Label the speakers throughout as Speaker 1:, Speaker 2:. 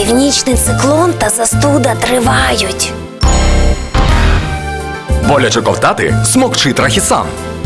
Speaker 1: Північний циклон та застуда тривають.
Speaker 2: Боляче ковтати? Смокчи Трахісан.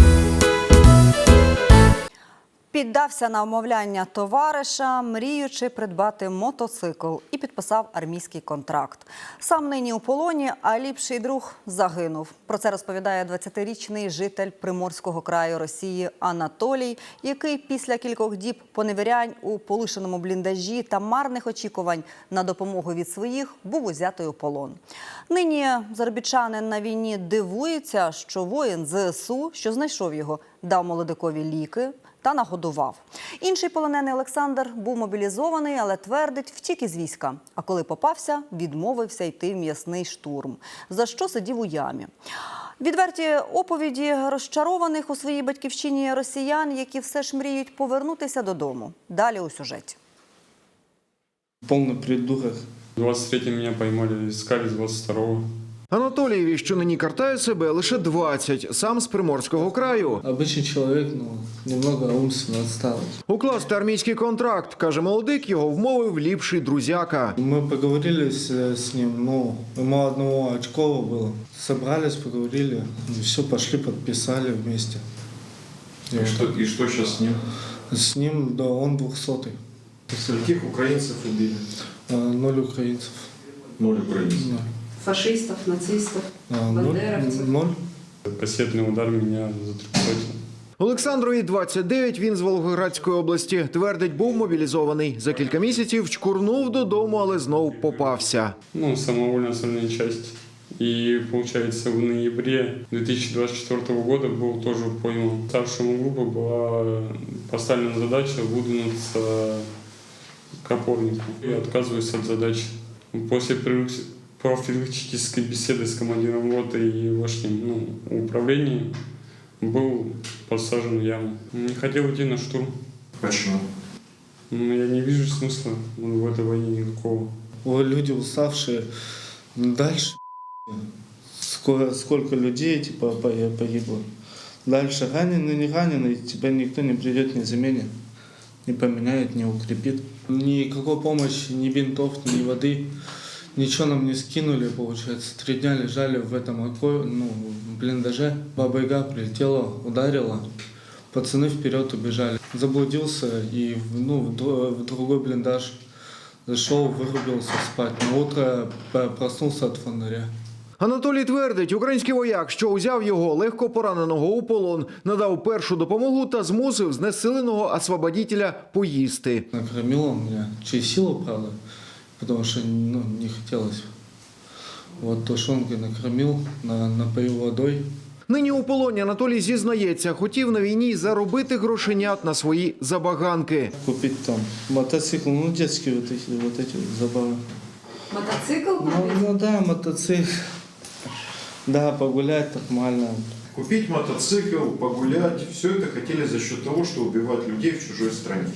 Speaker 3: Піддався на вмовляння товариша, мріючи придбати мотоцикл, і підписав армійський контракт. Сам нині у полоні, а ліпший друг загинув. Про це розповідає 20-річний житель Приморського краю Росії Анатолій, який після кількох діб поневірянь у полишеному бліндажі та марних очікувань на допомогу від своїх був узятий у полон. Нині заробітчанин на війні дивується, що воїн ЗСУ, що знайшов його, дав молодикові ліки та нагодував. Інший полонений Олександр був мобілізований, але твердить, втік із війська. А коли попався, відмовився йти в м'ясний штурм, за що сидів у ямі. Відверті оповіді розчарованих у своїй батьківщині росіян, які все ж мріють повернутися додому. Далі у сюжеті.
Speaker 4: Полный придурок.
Speaker 5: 23-м меня поймали, искали с 22-го.
Speaker 6: Анатолієві, що нині картає себе, лише 20, сам з Приморського краю.
Speaker 4: Обычный человек, немного умственно отсталый.
Speaker 6: Укласти армійський контракт, каже молодик, його вмовив ліпший друзяка.
Speaker 4: Мы поговорили с ним, ему одного очково было. Собрались, поговорили, все, пошли, подписали вместе.
Speaker 7: И что сейчас с ним?
Speaker 4: С ним, да, он 200-й.
Speaker 7: Скольких украинцев убили?
Speaker 4: 0 украинцев.
Speaker 7: 0 украинцев.
Speaker 4: Да.
Speaker 8: Фашистов, нацистов, бандеровцев.
Speaker 4: 0.
Speaker 5: Кассетный удар меня затрехотил.
Speaker 6: Олександрові 29, він з Волгоградської області. Твердить, був мобілізований. За кілька місяців чкурнув додому, але знов попався.
Speaker 5: Самовольная остальная часть. И, получается, в ноябре 2024 года был тоже пойман. Старшему группы была поставлена задача выдвинуться к опорнику. Я отказываюсь от задачи. После профилактической беседы с командиром роты и вошним управлением был посажен в яму. Не хотел идти на штурм.
Speaker 7: Почему?
Speaker 5: Я не вижу смысла в этой войне никакого.
Speaker 4: Люди уставшие. Дальше сколько людей погибло. Дальше раненый, не раненый, тебя никто не придет, не заменит, не поменяет, не укрепит. Никакой помощи, ни бинтов, ни воды. Ничего нам не скинули, получается. 3 дня лежали в этом блиндаже. Баба-Яга прилетела, ударила. Пацаны вперед убежали. Заблудился и в другой блиндаж зашел, вырубился спать. На утро проснулся от фонаря.
Speaker 6: Анатолій твердить, український вояк, що узяв його легко пораненого у полон, надав першу допомогу та змусив знесиленого освободителя поїсти.
Speaker 4: Накормил он меня, через силу, правда, потому что не хотелось. Вот тушенкой накормил, напоил водой.
Speaker 6: Нині у полоні Анатолій зізнається, хотів на війні заробити грошенят на свої забаганки.
Speaker 4: Купить там мотоцикл, детские вот эти забавы.
Speaker 8: Мотоцикл купить?
Speaker 4: Да, мотоцикл. Да, погулять нормально.
Speaker 7: Купить мотоцикл, погулять. Все это хотели за счет того, что убивать людей в чужой стране.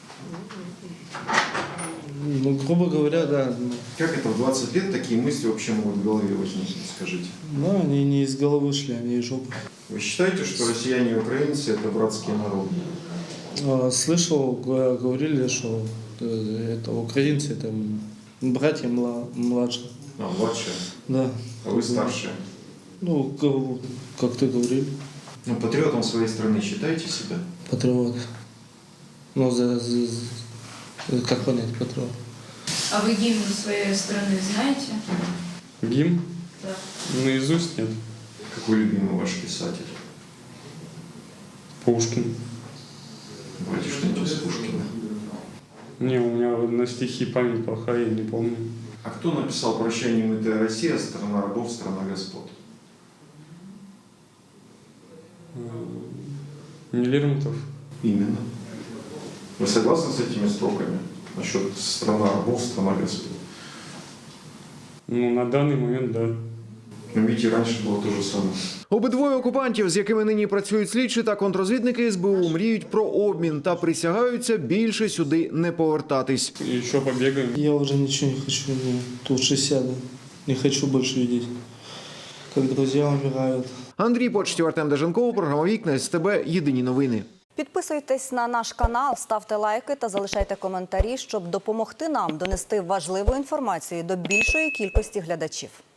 Speaker 4: Грубо говоря, да.
Speaker 7: Как это в 20 лет такие мысли вообще могут в голове возникнуть, скажите?
Speaker 4: Они не из головы шли, они из жопы.
Speaker 7: Вы считаете, что россияне и украинцы это братские народы?
Speaker 4: Слышал, говорили, что это украинцы, это братья младшие.
Speaker 7: Младшие?
Speaker 4: Да.
Speaker 7: А вы старшие?
Speaker 4: Как ты говорил.
Speaker 7: Патриотом своей страны считаете себя?
Speaker 4: Патриот. Как понять патриот?
Speaker 8: А вы гимн своей страны знаете?
Speaker 5: Гимн?
Speaker 8: Да.
Speaker 5: Наизусть нет.
Speaker 7: Какой любимый ваш писатель?
Speaker 5: Пушкин.
Speaker 7: Давайте что-нибудь из Пушкина.
Speaker 5: Не, у меня на стихи память плохая, я не помню.
Speaker 7: А кто написал «Прощай, немытая Россия, страна рабов, страна господ»?
Speaker 5: Не Лермонтов.
Speaker 7: Именно. Вы согласны с этими строками насчет «страна рабов, страна господ»?
Speaker 5: На данный момент, да.
Speaker 7: Но ведь и раньше было то же самое.
Speaker 6: Обидвоє окупантів, з якими нині працюють слідчі та контррозвідники СБУ, мріють про обмін та присягаються більше сюди не повертатись.
Speaker 5: Еще побегаем.
Speaker 4: Я уже ничего не хочу, лучше сяду. Не хочу больше видеть, как друзья умирают.
Speaker 6: Андрій Почтів, Артем Деженков, програма «Вікна», СТБ, єдині новини.
Speaker 3: Підписуйтесь на наш канал, ставте лайки та залишайте коментарі, щоб допомогти нам донести важливу інформацію до більшої кількості глядачів.